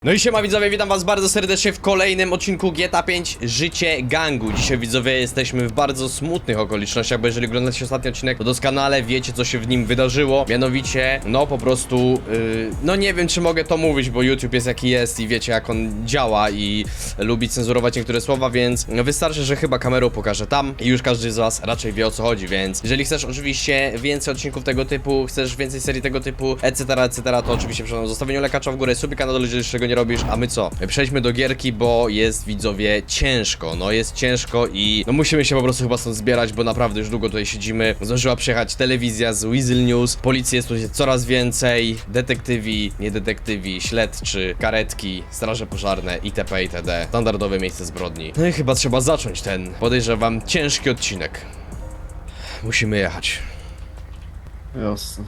No i siema widzowie, witam was bardzo serdecznie w kolejnym odcinku GTA 5 Życie Gangu. Dzisiaj widzowie jesteśmy w bardzo smutnych okolicznościach, bo jeżeli oglądacie ostatni odcinek, to doskonale wiecie, co się w nim wydarzyło. Mianowicie, no po prostu, no nie wiem, czy mogę to mówić, bo YouTube jest jaki jest i wiecie, jak on działa i lubi cenzurować niektóre słowa, więc wystarczy, że chyba kamerą pokażę tam i już każdy z was raczej wie, o co chodzi, więc jeżeli chcesz oczywiście więcej odcinków tego typu, chcesz więcej serii tego typu, etc., to oczywiście przy zostawieniu lekacza w górę, subika kanał, jeżeli jeszcze go nie robisz, a my co? Przejdźmy do gierki, bo jest, widzowie, ciężko, no jest ciężko i no musimy się po prostu chyba stąd zbierać, bo naprawdę już długo tutaj siedzimy. Zdążyła przyjechać telewizja z Weasel News, policji jest tu coraz więcej, detektywi, niedetektywi, śledczy, karetki, straże pożarne, itp. itd. Standardowe miejsce zbrodni. No i chyba trzeba zacząć ten, podejrzewam, ciężki odcinek. Musimy jechać. Jasne.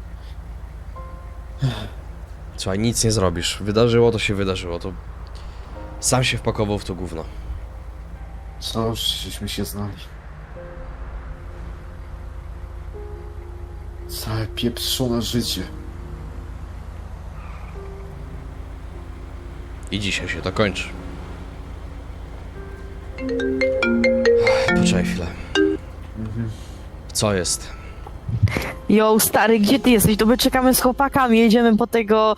Słuchaj, nic nie zrobisz. Wydarzyło to się wydarzyło, to... Sam się wpakował w to gówno. Co już żeśmy się znali. Całe pieprzone życie. I dzisiaj się to kończy. Poczekaj chwilę. Co jest? Jo, stary, gdzie ty jesteś? To my czekamy z chłopakami, jedziemy po tego...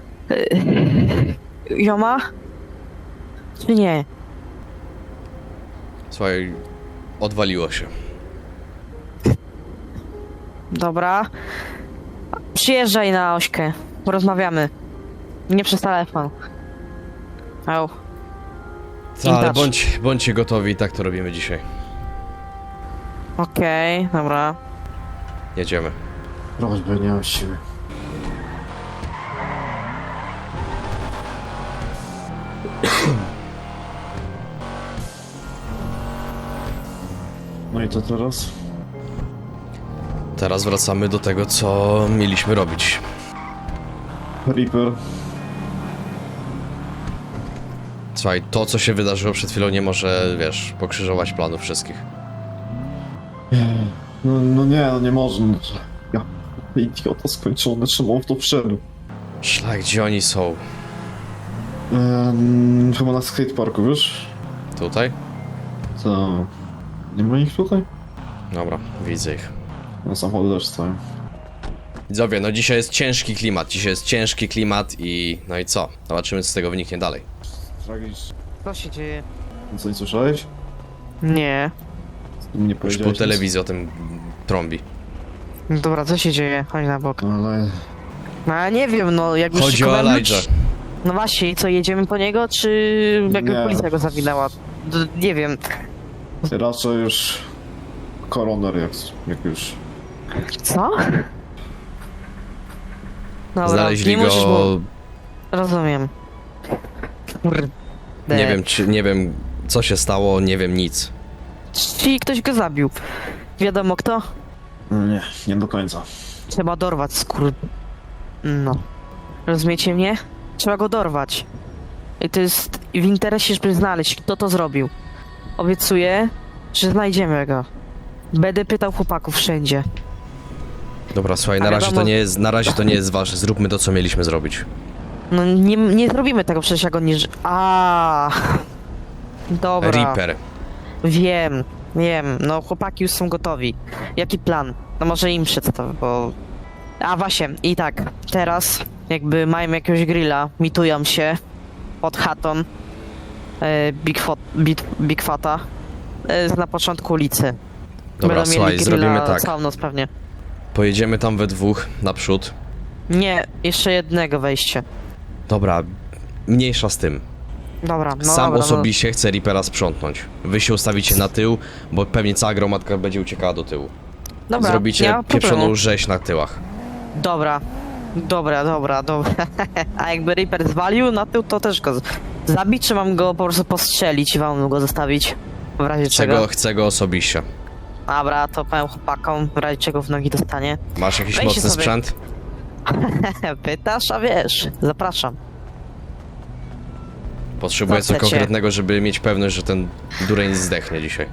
Joma? Czy nie? Słuchaj, odwaliło się. Dobra. Przyjeżdżaj na Ośkę, porozmawiamy. Nie przez telefon. Au. Ale bądźcie gotowi, i tak to robimy dzisiaj. Okej, dobra. Jedziemy. Prośbę, nie mam siły. No i to teraz? Teraz wracamy do tego, co mieliśmy robić. Reaper. Słuchaj, to co się wydarzyło przed chwilą nie może, wiesz, pokrzyżować planów wszystkich. No nie, no nie można. Ja, idiota skończony, czemu on w to wszedł? Szlak, gdzie oni są? Chyba na skateparku, wiesz? Tutaj? To... Nie ma ich tutaj? Dobra, widzę ich. No samochody też stoją. Widzowie, no dzisiaj jest ciężki klimat i... no i co? Zobaczymy, co z tego wyniknie dalej. Tragicznie. Co się dzieje? Co, nie słyszałeś? Nie. Nie Już powiedziałeś po nic? telewizji o tym trąbi. Dobra, co się dzieje? Chodź na bok. No ale... No ja nie wiem, no jakby Chodzi o szykowałem Elijah. ludzi- No właśnie, i co, jedziemy po niego, czy jakby Nie. policja go zawinęła? Nie wiem. Raczej już... Koroner jak już... Co? Dobra, Znaleźli nie musisz, go... bo... Rozumiem. Kurde. Nie wiem, co się stało, nie wiem nic. Czyli ktoś go zabił. Wiadomo kto? Nie, nie do końca. Trzeba dorwać No. Rozumiecie mnie? Trzeba go dorwać. I to jest w interesie, żeby znaleźć, kto to zrobił. Obiecuję, że znajdziemy go. Będę pytał chłopaków wszędzie. Dobra, słuchaj, A na razie wiadomo- to nie jest, ważne. Zróbmy to, co mieliśmy zrobić. No nie zrobimy tego przecież, jak on nie... Dobra. Reaper. Wiem. No chłopaki już są gotowi. Jaki plan? No może im przedstawię, bo... A właśnie, i tak, teraz jakby mają jakiegoś grilla, mitują się pod chatą Big Fata na początku ulicy. Dobra, Będą słuchaj, mieli zrobimy grilla tak. całą noc pewnie. Pojedziemy tam we dwóch, naprzód. Nie, jeszcze jednego wejście. Dobra, mniejsza z tym. Dobra, no Sam dobra, osobiście chcę Reapera sprzątnąć. Wy się ustawicie na tył, bo pewnie cała gromadka będzie uciekała do tyłu. no. Dobra, nie Zrobicie ma problemu. pieprzoną rzeź na tyłach. Dobra. A jakby Reaper zwalił na tył, to też go zabić, czy mam go po prostu postrzelić i wam go zostawić? W razie czego? Chcę go osobiście. Dobra, to powiem chłopakom, w razie czego w nogi dostanie. Masz jakiś Weźcie mocny sobie. sprzęt? Pytasz, a wiesz, zapraszam. Potrzebuję Co coś chcecie? konkretnego, żeby mieć pewność, że ten dureń zdechnie dzisiaj.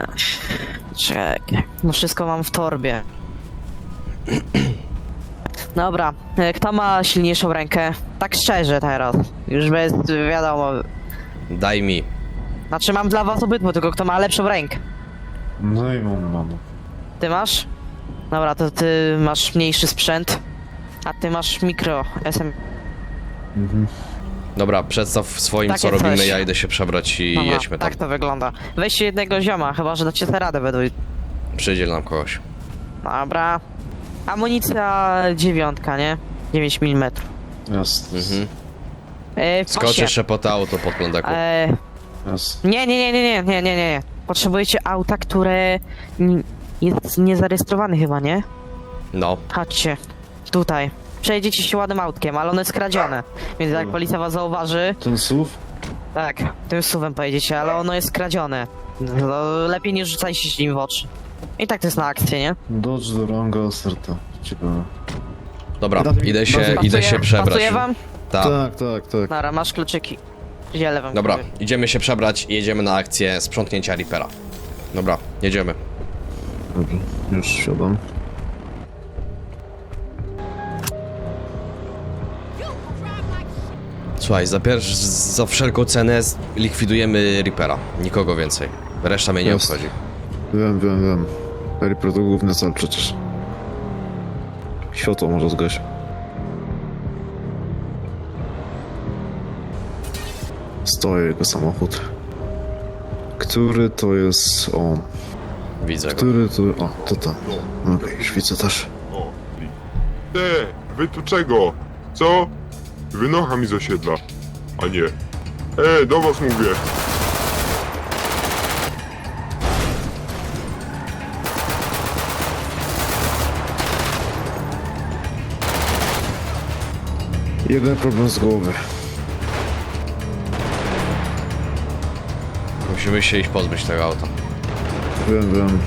Czekaj, no wszystko mam w torbie. Dobra, kto ma silniejszą rękę? Tak szczerze teraz. Już bez wiadomo. Daj mi. Znaczy mam dla was obydwu, tylko kto ma lepszą rękę. No i mam. Ty masz? Dobra, to ty masz mniejszy sprzęt, a ty masz mikro SM. Mhm. Dobra, przedstaw swoim, Takie co robimy, coś. ja idę się przebrać i Dobra, jedźmy tam. tak to wygląda. Weźcie jednego zioma, chyba że dacie sobie radę według. Przydziel nam kogoś. Dobra. Amunicja 9, nie? 9 mm. Jest. Mhm. W Skoczysz pasie. jeszcze po to auto pod plądeku. Jest. Nie. Potrzebujecie auta, które jest niezarejestrowane chyba, nie? No. Chodźcie. Tutaj. Przejedziecie się ładnym autkiem, ale ono jest kradzione. Więc jak Dobra. policja was zauważy, Ten SUV? tak, tym suwem pojedziecie, ale ono jest kradzione. No, lepiej nie rzucajcie się nim w oczy. I tak to jest na akcję, nie? Dodge Durango Serta. Ciekawe. Dobra, idę się Pasuje przebrać. wam? Tak. Tak. Dobra, masz kluczyki. Ziele wam. Dobra, kupię. idziemy się przebrać i jedziemy na akcję sprzątnięcia Reapera. Dobra, jedziemy. Dobrze, już siadam. Słuchaj, za wszelką cenę likwidujemy Reapera. Nikogo więcej. Reszta mnie nie Jest. obchodzi. Wiem. Reaper to główny cel przecież. Światło może zgaś. Stoi jego samochód. Który to jest on? Widzę go. Który to... O, to tam. Okej, już widzę też. Te, wy tu czego? Co? Wynocha mi z osiedla. A nie. Do was mówię. Jeden problem z głowy. Musimy się iść pozbyć tego auta. Wiem.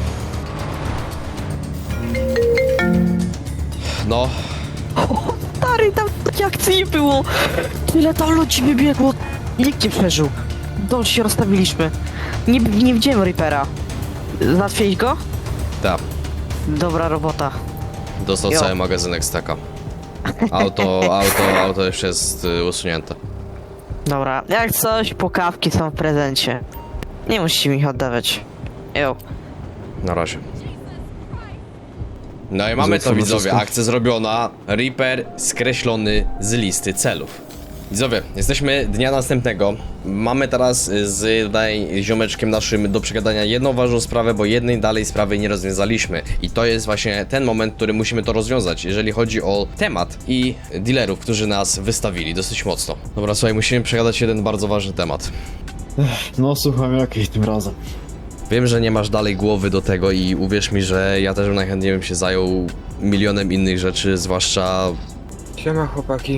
No, Stary, tam takiej akcji nie było. Tyle tam ludzi wybiegło. Nikt nie przeżył. Dobrze się rozstawiliśmy. Nie widziałem Reapera. Załatwiłeś go? tak. Dobra robota. Dostał Jo. cały magazynek staka. Auto już jest usunięte. Dobra, jak coś, pokawki są w prezencie. Nie musicie mi ich oddawać. Jo. Na razie. No i mamy to, Zatwórz widzowie, wszystko. akcja zrobiona. Reaper skreślony z listy celów. Widzowie, jesteśmy dnia następnego. Mamy teraz z tutaj ziomeczkiem naszym do przegadania jedną ważną sprawę, bo jednej dalej sprawy nie rozwiązaliśmy. I to jest właśnie ten moment, który musimy to rozwiązać, jeżeli chodzi o temat i dealerów, którzy nas wystawili dosyć mocno. Dobra, słuchaj, musimy przegadać jeden bardzo ważny temat. No słucham jakiej tym razem. Wiem, że nie masz dalej głowy do tego i uwierz mi, że ja też najchętniej bym się zajął milionem innych rzeczy, zwłaszcza Siema chłopaki.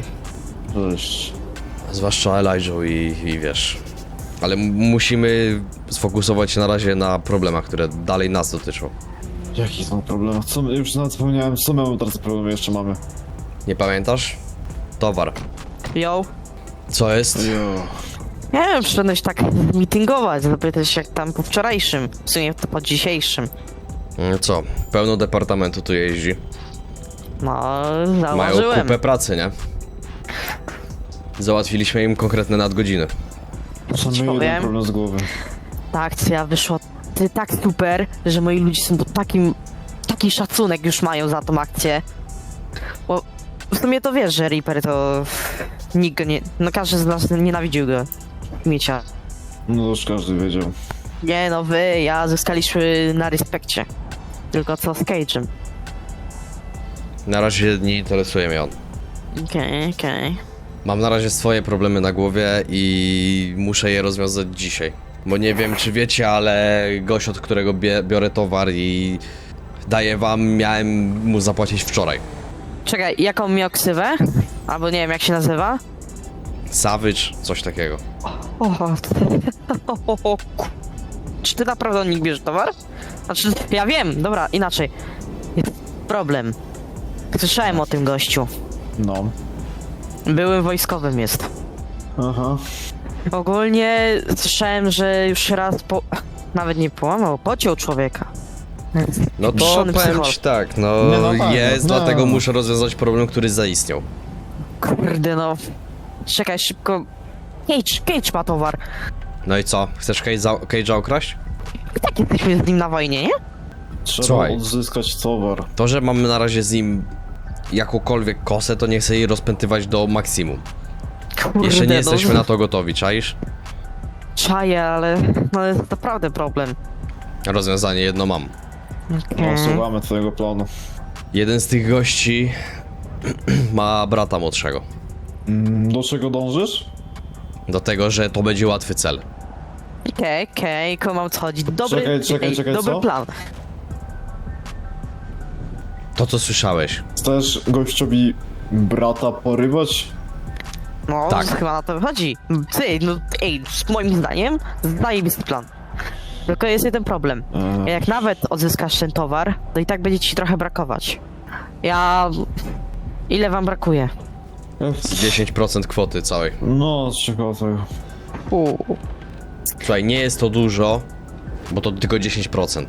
Cześć. Elijah i wiesz. Ale musimy sfokusować się na razie na problemach, które dalej nas dotyczą. Jaki są problemy? Co, już nawet zapomniałem, co my teraz problemy jeszcze mamy. Nie pamiętasz? Towar. Jo. Co jest? Jo. Nie wiem, przyszedłeś tak meetingować, zapytać jak tam po wczorajszym, w sumie to po dzisiejszym. Co? Pełno departamentu tu jeździ. No, Mają zauważyłem. kupę pracy, nie? Załatwiliśmy im konkretne nadgodziny. Co my powiem? jeden problem z głowy. Ta akcja wyszła tak super, że moi ludzie są taki szacunek już mają za tą akcję. Bo w sumie to wiesz, że Reaper to nikt go nie... No każdy z nas nienawidził go. Miecia. No to już każdy wiedział. Nie no ja zyskaliśmy na respekcie. Tylko co z Cage'em. Na razie nie interesuje mnie on. Okej. Mam na razie swoje problemy na głowie i muszę je rozwiązać dzisiaj. Bo nie wiem, czy wiecie, ale gość, od którego biorę towar i daję wam, miałem mu zapłacić wczoraj. Czekaj, jaką miał ksywę? Albo nie wiem jak się nazywa? Savage, coś takiego. Czy ty naprawdę od nich bierzesz towar? Znaczy, ja wiem, dobra, inaczej. Jest problem. Słyszałem o tym gościu. No. Byłym wojskowym jest. Aha. Ogólnie słyszałem, że już raz nawet nie połamał, pociął człowieka. No to Pieprzony powiem psychol. ci tak, no, Nie, no tak, jest, no. dlatego muszę rozwiązać problem, który zaistniał. Kurde no. Czekaj, szybko. Cage ma towar. No i co? Chcesz Cage'a okraść? Tak jesteśmy z nim na wojnie, nie? Trzeba Słuchaj. odzyskać towar. To, że mamy na razie z nim jakąkolwiek kosę, to nie chcę jej rozpętywać do maksimum. Kurde, Jeszcze nie no, jesteśmy na to gotowi, czaisz? Czaję, ale no jest naprawdę problem. Rozwiązanie jedno mam. No, słuchamy twojego planu. Jeden z tych gości ma brata młodszego. Do czego dążysz? Do tego, że to będzie łatwy cel. Okej, kumam co chodzi. Dobry, Czekaj, dobry co? plan. To, co słyszałeś. Chcesz gościowi brata porywać? No, Tak. chyba na to wychodzi. Moim zdaniem, zajebisty plan. Tylko jest jeden problem. Jak nawet odzyskasz ten towar, to i tak będzie ci trochę brakować. Ile wam brakuje? 10% kwoty całej. No, z czego tego? Słuchaj, nie jest to dużo, bo to tylko 10%.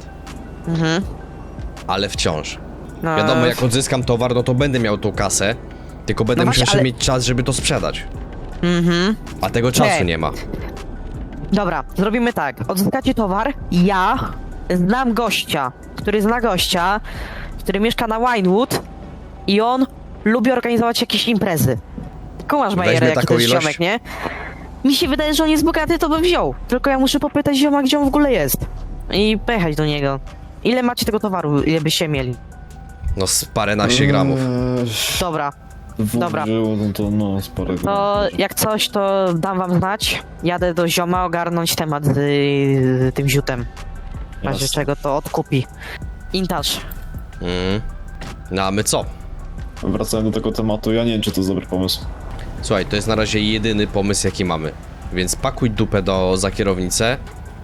Ale wciąż. No, Wiadomo, jak odzyskam towar, no to będę miał tą kasę, tylko będę No musiał właśnie, jeszcze ale- mieć czas, żeby to sprzedać. A tego czasu Nie. nie ma. Dobra, zrobimy tak. Odzyskacie towar, ja znam gościa, który zna gościa, który mieszka na Winewood i on lubi organizować jakieś imprezy. Kumasz, Bajer, Weźmie jaki taką to jest ilość? ziomek, nie? Mi się wydaje, że on jest bogaty, to bym wziął. Tylko ja muszę popytać zioma, gdzie on w ogóle jest. I pojechać do niego. Ile macie tego towaru, ile byście mieli? No z paręnaście gramów. Dobra, Dwóch Dobra. Było, no to no, z parę to gramów. jak coś, to dam wam znać. Jadę do zioma ogarnąć temat z tym ziutem. W razie Jasne. czego to odkupi. Intaż. No a my co? Wracając do tego tematu, ja nie wiem, czy to jest dobry pomysł. Słuchaj, to jest na razie jedyny pomysł, jaki mamy. Więc pakuj dupę za kierownicę.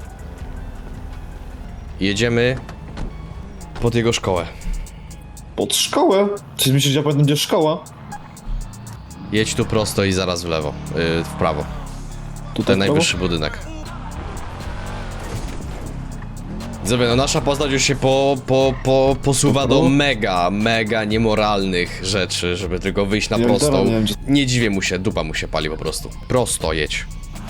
Jedziemy pod jego szkołę. Pod szkołę? Czy myślisz, że będzie szkoła? Jedź tu prosto i zaraz w lewo, w prawo. Tutaj Ten w prawo? najwyższy budynek. Zobacz, no nasza postać już się posuwa do mega niemoralnych rzeczy, żeby tylko wyjść na Ja prostą. teraz nie wiem, czy- Nie dziwię mu się, dupa mu się pali po prostu. Prosto jedź.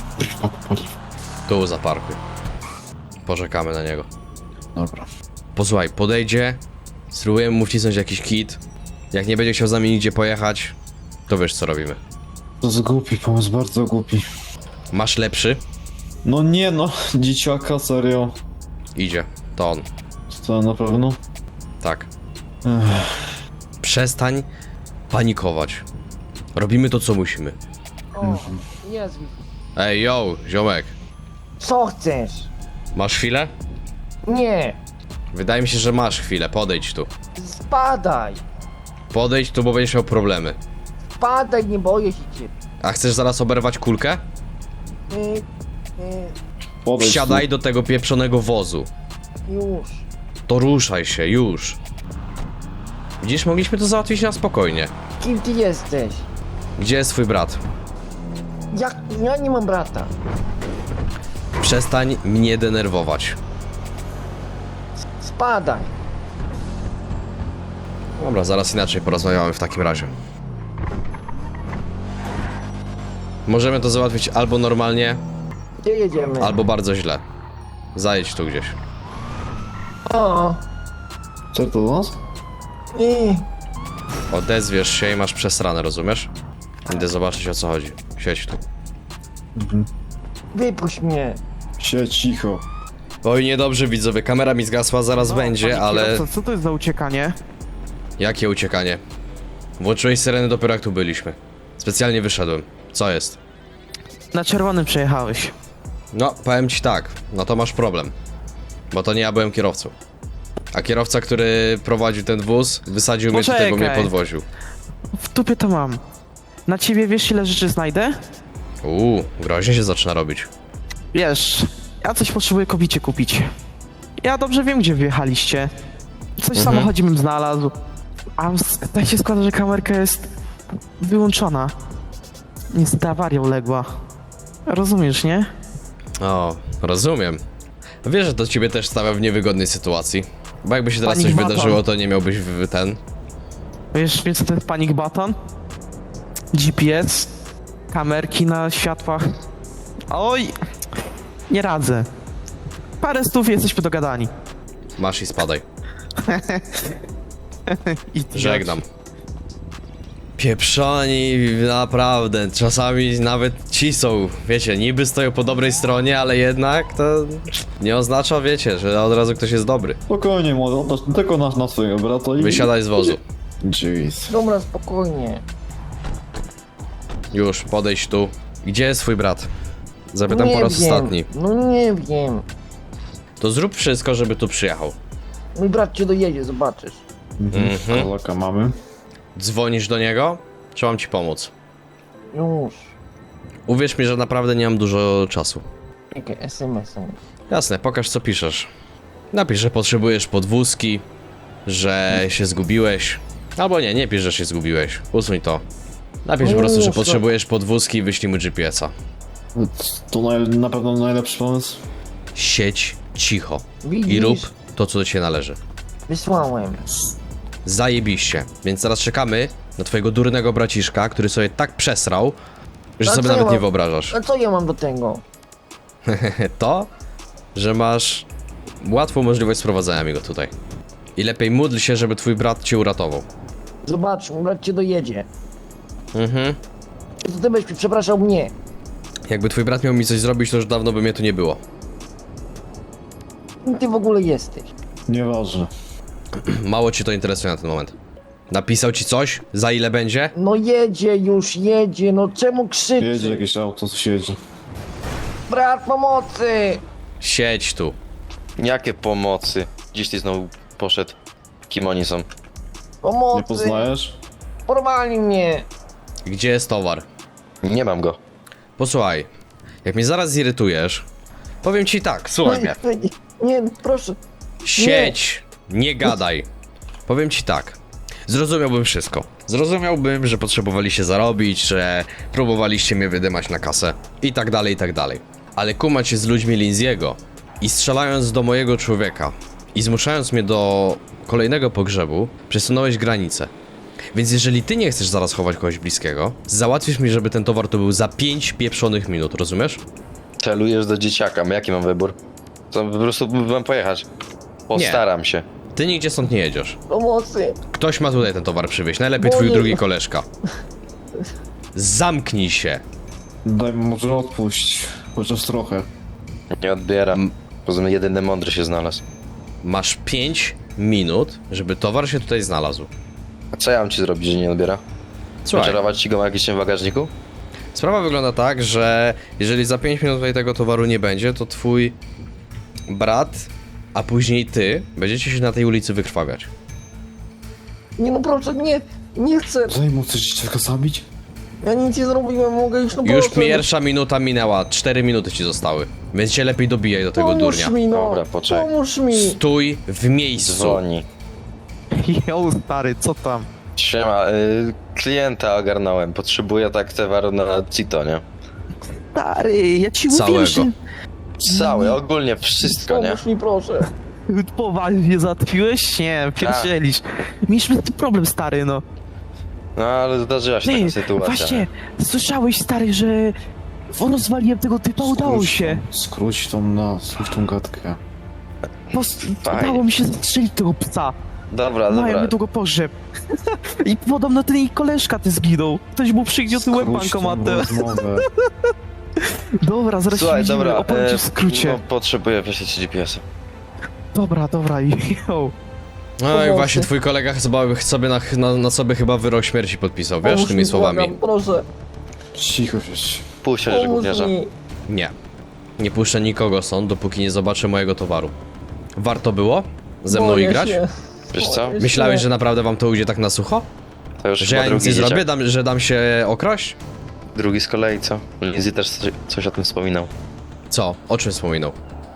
Tu zaparkuj. Poczekamy na niego. Dobra. Posłuchaj, podejdzie, spróbujemy mu wcisnąć jakiś kit. Jak nie będzie chciał z nami nigdzie pojechać, to wiesz co robimy. To jest głupi pomysł, bardzo głupi. Masz lepszy? No nie no, dzieciaka, serio. Idzie, to on. To na pewno? Tak. Przestań panikować. Robimy to, co musimy. O, Jezu. Ej, yo, ziomek. Co chcesz? Masz chwilę? Nie, Wydaje mi się, że masz chwilę. Podejdź tu. spadaj. Podejdź tu, bo będziesz miał problemy. Spadaj, nie boję się ciebie. A chcesz zaraz oberwać kulkę? Podejdź Wsiadaj do tego pieprzonego wozu. Już. To ruszaj się, już. Widzisz, mogliśmy to załatwić na spokojnie. Kim ty jesteś? Gdzie jest twój brat? Ja nie mam brata. Przestań mnie denerwować. Spadaj. Dobra, zaraz inaczej porozmawiamy w takim razie. Możemy to załatwić albo normalnie, Gdzie jedziemy? albo bardzo źle. Zajedź tu gdzieś. O, tu. Co to do nas? Odezwiesz się i masz przesrane, rozumiesz? Idę zobaczyć, o co chodzi. Siedź tu. wypuść mnie. Siedź cicho. Oj, niedobrze widzowie, kamera mi zgasła, zaraz będzie, ale... Co to jest za uciekanie? Jakie uciekanie? Włączyłeś syreny dopiero jak tu byliśmy. Specjalnie wyszedłem. Co jest? Na czerwonym przejechałeś. No, powiem ci tak, no to masz problem. Bo to nie ja byłem kierowcą. A kierowca, który prowadził ten wóz, wysadził mnie tutaj, bo mnie Poczekaj. podwoził. W dupie to mam. Na ciebie wiesz, ile rzeczy znajdę? Groźnie się zaczyna robić. Wiesz, ja coś potrzebuję kobicie kupić. Ja dobrze wiem, gdzie wyjechaliście. Coś w samochodzie bym znalazł. A tak się składa, że kamerka jest wyłączona. Niestety awaria uległa. Rozumiesz, nie? O, rozumiem. Wiesz, że to ciebie też stawia w niewygodnej sytuacji. Bo jakby się teraz Panic coś button. wydarzyło, to nie miałbyś ten... Wiesz co to jest panic button? GPS, kamerki na światłach. Oj, nie radzę. Parę stów i jesteśmy dogadani. Masz i spadaj. I Żegnam. Pieprzoni, naprawdę, czasami nawet ci są, wiecie, niby stoją po dobrej stronie, ale jednak to nie oznacza, wiecie, że od razu ktoś jest dobry. Spokojnie, młody, oddasz tylko na swojego brata i... Wysiadaj z wozu. Jeez. Dobra, spokojnie. Już, podejdź tu. Gdzie jest twój brat? Zapytam po raz wiem. ostatni. No nie wiem. To zrób wszystko, żeby tu przyjechał. Mój brat cię dojedzie, zobaczysz. Mhm. Kolaka mamy. Dzwonisz do niego? Czy mam ci pomóc? Już. Uwierz mi, że naprawdę nie mam dużo czasu. Jakie SMS-em. Jasne, pokaż co piszesz. Napisz, że potrzebujesz podwózki, że się zgubiłeś. Albo nie pisz, że się zgubiłeś. Usuń to. Napisz po prostu, że Już, no. potrzebujesz podwózki i wyślij mu GPS-a. To na pewno najlepszy pomysł. Siedź cicho Widzisz? i rób to, co do ciebie należy. Wysłałem. Zajebiście. Więc teraz czekamy na twojego durnego braciszka, który sobie tak przesrał, że A sobie co ja nawet nie mam? wyobrażasz. A co ja mam do tego? To, że masz łatwą możliwość sprowadzenia mi go tutaj. I lepiej módl się, żeby twój brat cię uratował. Zobacz, mój brat cię dojedzie. Mhm. To ty byś przepraszał mnie. Jakby twój brat miał mi coś zrobić, to już dawno by mnie tu nie było. Kim ty w ogóle jesteś? Nieważne. Mało cię to interesuje na ten moment. Napisał ci coś? Za ile będzie? No jedzie już, jedzie, no czemu krzyczy? Jedzie jakieś auto, co siedzi. Brat pomocy! Siedź tu. Jakie pomocy? Gdzieś ty znowu poszedł. Kim oni są? Pomocy! Nie poznajesz? Porwali mnie! Gdzie jest towar? Nie mam go. Posłuchaj. Jak mnie zaraz zirytujesz, powiem ci tak, słuchaj mnie. Nie, proszę. Siedź, nie gadaj. Powiem ci tak. Zrozumiałbym wszystko. Zrozumiałbym, że potrzebowaliście zarobić, że próbowaliście mnie wydymać na kasę i tak dalej, i tak dalej. Ale kumać się z ludźmi Linziego i strzelając do mojego człowieka i zmuszając mnie do kolejnego pogrzebu, przesunąłeś granicę. Więc jeżeli ty nie chcesz zaraz chować kogoś bliskiego, załatwisz mi, żeby ten towar to był za 5 pieprzonych minut, rozumiesz? Celujesz do dzieciaka. Jaki mam wybór? To po prostu mam pojechać. Postaram się. Ty nigdzie stąd nie jedziesz. Pomocy! Ktoś ma tutaj ten towar przywieźć, najlepiej Bo twój nie- drugi koleżka. Zamknij się. Daj mu może odpuść. Chociaż trochę. Nie odbieram. Poza tym jedyny mądry się znalazł. Masz 5 minut, żeby towar się tutaj znalazł. A co ja mam ci zrobić, że nie odbiera? Słuchaj, Wyczarować ci go na jakimś tym bagażniku? sprawa wygląda tak, że jeżeli za 5 minut tutaj tego towaru nie będzie, to twój brat, a później ty, będziecie się na tej ulicy wykrwawiać. Nie no proszę, nie chcę. Daj mu coś dzieciaka zabić? Ja nic nie zrobiłem, mogę już no Już proszę. pierwsza minuta minęła, 4 minuty ci zostały. Więc się lepiej dobijaj do tego Pomóż durnia. mi no, Dobra, poczekaj. pomóż mi. Stój w miejscu. Dzwoni. Jo, stary, co tam? Siema, klienta ogarnąłem. Potrzebuję tak towaru na Cito, nie? Stary, ja ci Całego. mówię, że Cały, ogólnie wszystko, nie? Pomóż mi proszę. poważnie załatwiłeś? Nie, pierdzielisz. Mieliśmy z tym problem, stary, no. No ale zdarzyła się Ty, taka sytuacja. właśnie, słyszałeś, stary, że rozwaliłem tego typa, udało się. Skróć tą gadkę. Udało mi się zastrzelić tego psa. Dobra, Mają dobra. niedługo pogrzeb. I podobno ten jej koleżka ty zginął. Ktoś mu przygniótł łeb Skróć tą bankomatem. rozmowę. Dobra, zaraz się Słuchaj, widzimy, dobra, opowiem ci w skrócie. no, potrzebuję wysłać GPS-a. Dobra, jo. No i Pomocy. właśnie twój kolega sobie na sobie chyba wyrok śmierci podpisał, wiesz, Pomóż tymi mi, słowami. błagam, proszę. Cicho się. Puść się, że Pomóż gówniarza. mi. Nie. Nie puszczę nikogo stąd, dopóki nie zobaczę mojego towaru. Warto było ze mną Boję igrać? się. Wiesz co? Boję Myślałeś, się. że naprawdę wam to ujdzie tak na sucho? To już Że chyba ja nic nie drugi zrobię, dzieciak. że dam się okraść? Drugi z kolei, co? Lindsay też coś o tym wspominał. Co? O czym wspominał?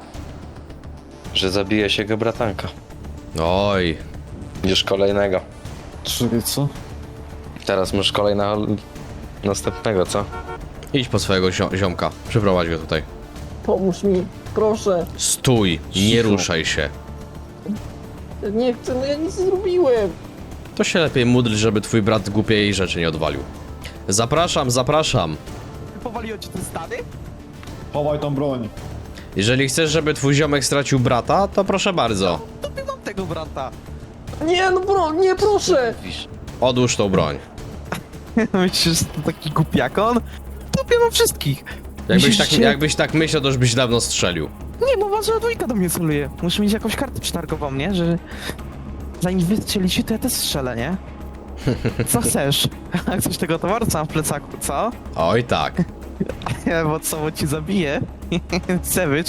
Że zabije się jego bratanka. Oj, Już kolejnego. Czekaj, co? Teraz masz następnego, co? idź po swojego ziomka, przyprowadź go tutaj. Pomóż mi, proszę. Stój, nie Cicho. ruszaj się. Nie chcę, no ja nic nie zrobiłem. To się lepiej módl, żeby twój brat głupiej rzeczy nie odwalił. Zapraszam, zapraszam. Powaliło ci te stany? Chowaj tą broń. Jeżeli chcesz, żeby twój ziomek stracił brata, to proszę bardzo. To nie mam tego brata. Nie, no bro, nie, proszę. Odłóż tą broń. Myślisz, że to taki głupiakon? Tobie mam wszystkich. Jakbyś tak myślał, to już byś dawno strzelił. Nie, bo wasza dwójka do mnie celuje. Muszę mieć jakąś kartę przetargową, nie? Że zanim wystrzelicie, to ja też strzelę, nie? Co chcesz? Chcesz tego towaru, co mam w plecaku, co? Oj tak. Bo co, bo ci zabiję? Sewicz.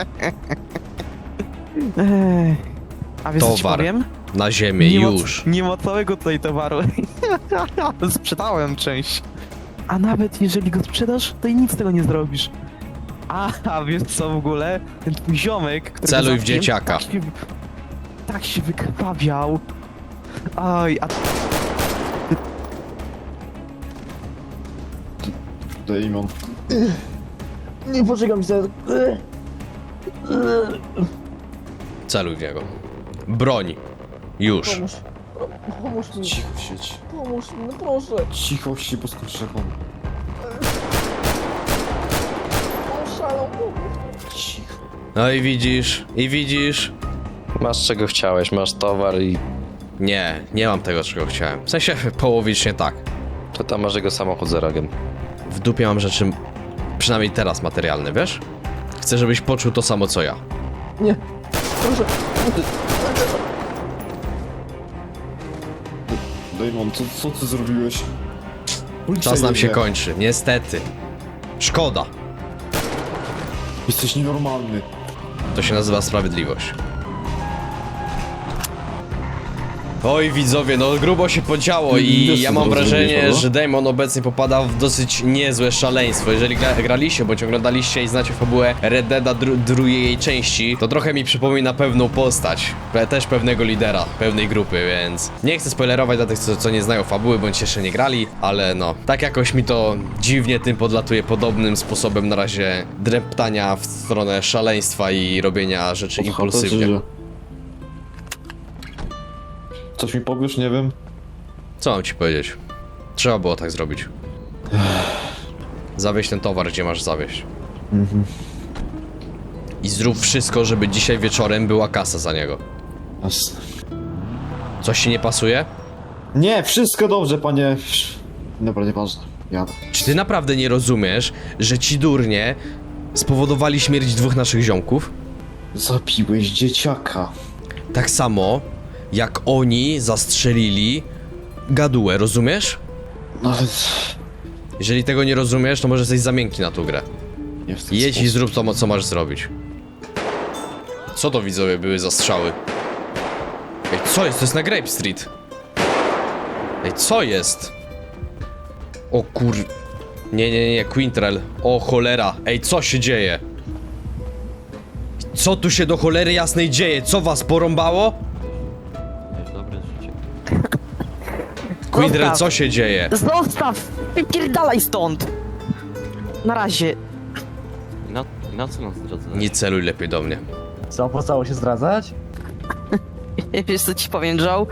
A wiesz co ci Towar. powiem? Na ziemię, już. Nie ma całego tutaj towaru. Sprzedałem część. A nawet jeżeli go sprzedasz, to i nic z tego nie zrobisz. A wiesz co w ogóle? Ten twój ziomek, który Celuj w dzieciaka. Tak się wykrwawiał. Oj, a Damon. Nie, poczekam się. Celuj w niego. Broń. Już. Pomóż. Pomóż mi, Cicho siedź. pomóż mi, no proszę. Cicho się, bo skoczę pan. On szalał, pomóż. Cicho. No i widzisz. Masz czego chciałeś, masz towar i... Nie mam tego, czego chciałem. W sensie połowicznie tak. To tam masz jego samochód za rogiem. W dupie mam rzeczy, przynajmniej teraz materialne, wiesz? Chcę, żebyś poczuł to samo, co ja. Nie, proszę. Damon, co ty zrobiłeś? Policja Czas nam się jedzie. kończy, niestety. Szkoda. Jesteś nienormalny. To się nazywa sprawiedliwość. Oj widzowie, no grubo się podziało i Wiesz, ja co mam teraz wrażenie, zrobiłeś, że Damon obecnie popada w dosyć niezłe szaleństwo. Jeżeli graliście bądź oglądaliście i znacie fabułę Red Deada drugiej części, to trochę mi przypomina pewną postać, też pewnego lidera, pewnej grupy, więc nie chcę spoilerować dla tych, co nie znają fabuły bądź jeszcze nie grali, ale no, tak jakoś mi to dziwnie tym podlatuje, podobnym sposobem na razie dreptania w stronę szaleństwa i robienia rzeczy impulsywnie. Coś mi powiesz, nie wiem. Co mam ci powiedzieć? Trzeba było tak zrobić. Zawieź ten towar, gdzie masz zawieźć. I zrób wszystko, żeby dzisiaj wieczorem była kasa za niego. Jasne. Coś ci nie pasuje? Nie, wszystko dobrze, panie. Dobra, nieważne. Jadę. Czy ty naprawdę nie rozumiesz, że ci durnie spowodowali śmierć dwóch naszych ziomków? Zabiłeś dzieciaka. Tak samo, jak oni zastrzelili gadułę, rozumiesz? No ale... Jeżeli tego nie rozumiesz, to może jesteś za miękki na tą grę. Nie w ten Jedź i sposób. zrób to, co masz zrobić. Co to, widzowie, były za strzały? Ej, co jest? To jest na Grape Street. Ej, co jest? O kur... Nie, Quintrell. O cholera. Ej, co się dzieje? Co tu się do cholery jasnej dzieje? Co was porąbało? Quintrell, co się dzieje? Zostaw! Wypierdalaj stąd! Na razie. Na co nas drodze? Nie celuj lepiej do mnie. Co, opłacało się zdradzać? Wiesz co ci powiem, Joe?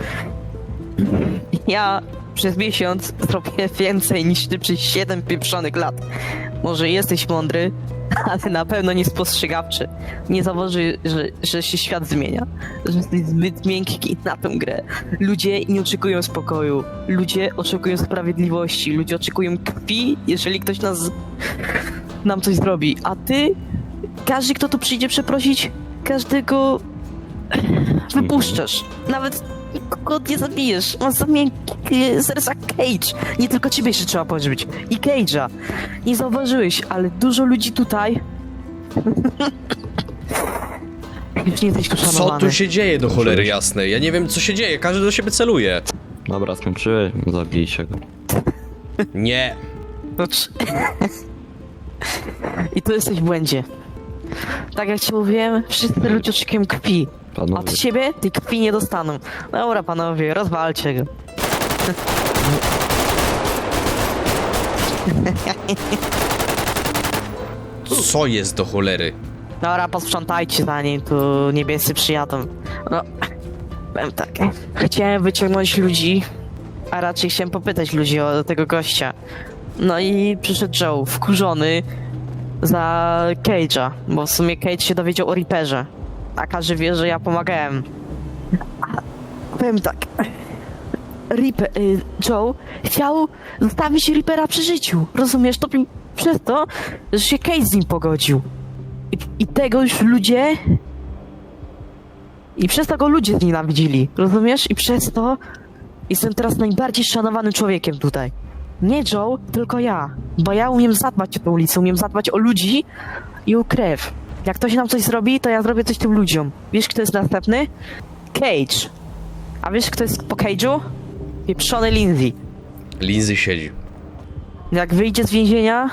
Ja przez miesiąc zrobię więcej niż ty przez 7 pieprzonych lat. Może jesteś mądry, ale na pewno nie spostrzegawczy. Nie zauważy, że się świat zmienia. Że jesteś zbyt miękki na tę grę. Ludzie nie oczekują spokoju. Ludzie oczekują sprawiedliwości. Ludzie oczekują krwi, jeżeli ktoś nam coś zrobi. A ty, każdy kto tu przyjdzie przeprosić, każdego wypuszczasz. Nawet nikogo nie zabijesz. Masz za miękkie serca Cage. Nie tylko ciebie jeszcze trzeba pożyć. I Cage'a. Nie zauważyłeś, ale dużo ludzi tutaj... Już nie jesteś tu Co szanowany. tu się dzieje do cholery jasnej? Ja nie wiem, co się dzieje. Każdy do siebie celuje. Dobra, skończyłeś, zabijcie go. Nie. I tu jesteś w błędzie. Tak jak ci mówiłem, wszyscy ludzie oczekują krwi. A Panowie, od ciebie tej krwi nie dostaną. Dobra panowie, rozwalcie go. Co jest do cholery? Dobra, posprzątajcie zanim tu niebiescy przyjadą. No, Powiem tak, chciałem wyciągnąć ludzi, a raczej chciałem popytać ludzi o tego gościa. No i przyszedł Joe, wkurzony za Cage'a, bo w sumie Cage się dowiedział o Reaperze. A każdy wie, że ja pomagałem. Powiem tak, Joe chciał zostawić Reapera przy życiu, rozumiesz? To przez to, że się Cage z nim pogodził. I tego już ludzie... I przez to go ludzie znienawidzili, rozumiesz? I przez to jestem teraz najbardziej szanowanym człowiekiem tutaj. Nie Joe, tylko ja. Bo ja umiem zadbać o tę ulicę, umiem zadbać o ludzi i o krew. Jak ktoś nam coś zrobi, to ja zrobię coś tym ludziom. Wiesz, kto jest następny? Cage. A wiesz, kto jest po Cage'u? Pieprzony Lindsay. Lindsay siedzi. Jak wyjdzie z więzienia,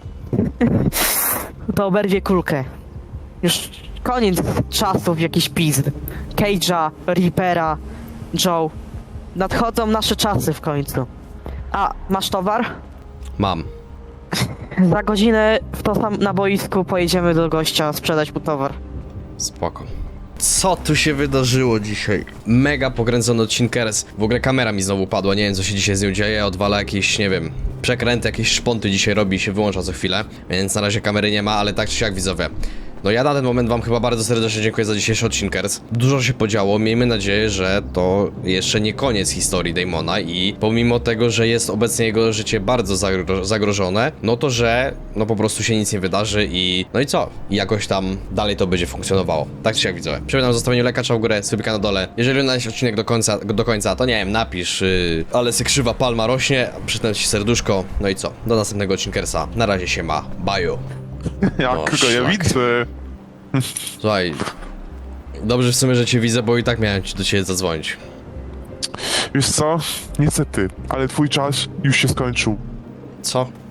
to oberwie kulkę. Już koniec czasów jakiś pizd. Cage'a, Reapera, Joe. Nadchodzą nasze czasy w końcu. A, masz towar? Mam. Za godzinę na boisku pojedziemy do gościa sprzedać mu towar. Spoko. Co tu się wydarzyło dzisiaj? Mega pokręcony odcinkers. W ogóle kamera mi znowu padła, nie wiem co się dzisiaj z nią dzieje. Odwala jakieś, nie wiem, przekręty, jakieś szponty dzisiaj robi i się wyłącza co chwilę. Więc na razie kamery nie ma, ale tak czy siak widzowie. No ja na ten moment wam chyba bardzo serdecznie dziękuję za dzisiejszy odcinkers. Dużo się podziało, miejmy nadzieję, że to jeszcze nie koniec historii Damona i pomimo tego, że jest obecnie jego życie bardzo zagrożone, no to że no po prostu się nic nie wydarzy i no i co? I jakoś tam dalej to będzie funkcjonowało. Tak czy siak widzowie. Przypominam o zostawieniu lajka w górę, subika na dole. Jeżeli oglądałeś odcinek do końca, to nie wiem, napisz ale se krzywa palma rośnie, przytnę ci serduszko. No i co? Do następnego odcinkersa. Na razie się ma. Baju. Jak O, go ja szlak. widzę. Słuchaj, dobrze w sumie, że cię widzę, bo i tak miałem do ciebie zadzwonić. Wiesz co? Niestety, ale twój czas już się skończył. Co?